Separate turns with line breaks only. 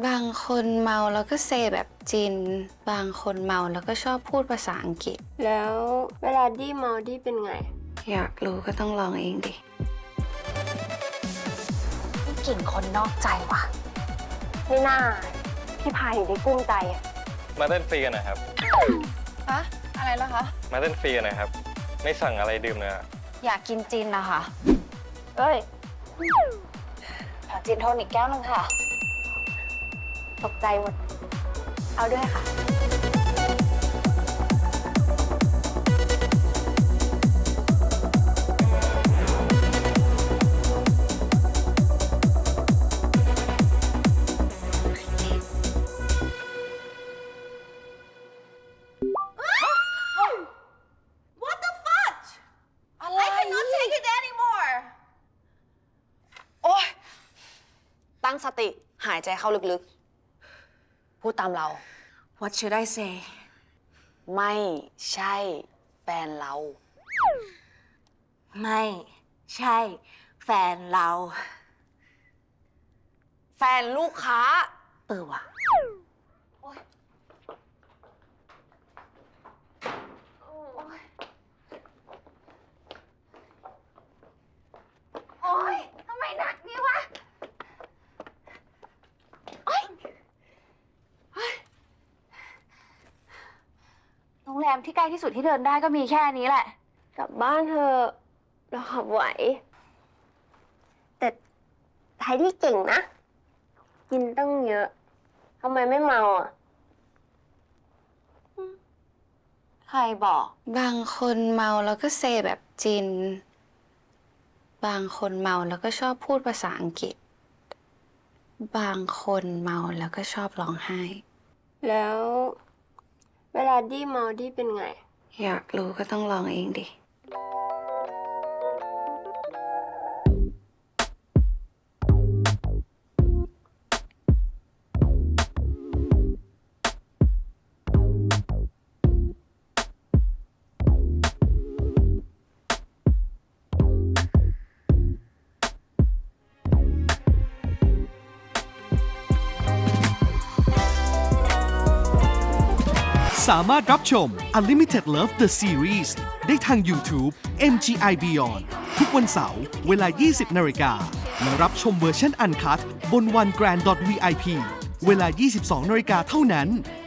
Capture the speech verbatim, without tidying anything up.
บางคนเมาแล้วก็เซแบบจีนบางคนเมาแล้วก็ชอบพูดภาษาอังกฤษ
แล้วเวลาดี้เมาดี้เป็นไง
อยากรู้ก็ต้องลองเองดิ
นี่กลิ่นคนนอกใจว่ะ
ไม่น่าพี่พายถึงได้กุ้มใจอะ
มาเต้นฟรีกันนะครับ
ฮะอะไรแล้วคะ
มาเต้นฟรีกันนะครับไม่สั่งอะไรดื่มเลยอะ
อยากกินจีนนะคะ
เอ้ย
ขอจีนโทนิกแก้วนึงค่ะ
ตกใจหมด
เอาด้วยค่ะ
ตั้งสติหายใจเข้าลึกๆพูดตามเรา
What should I say
ไม่ใช่แฟนเรา
ไม่ใช่แฟนเรา
แฟนลูกค้า
เออว่ะโอ๊ยทำไมหนักนี่วะโรงแรมที่ใกล้ที่สุดที่เดินได้ก็มีแค่นี้แหละ
กลับบ้านเธอเราขับไหวแต่ไทยที่เก่งนะกินตั้งเยอะทำไมไม่เมาอ่ะ
ใครบอก
บางคนเมาแล้วก็เซแบบจีนบางคนเมาแล้วก็ชอบพูดภาษาอังกฤษบางคนเมาแล้วก็ชอบร้องไห้
แล้วเวลาดี้เมาดี้เป็นไง
อยากรู้ก็ต้องลองเองดิ
สามารถรับชม Unlimited Love The Series ได้ทาง YouTube เอ็ม จี ไอ Beyond ทุกวันเสาร์เวลา ยี่สิบนาฬิกาและรับชมเวอร์ชันอันคัทบน วันแกรนด์ ดอท วี ไอ พี เวลา ยี่สิบสองนาฬิกาเท่านั้น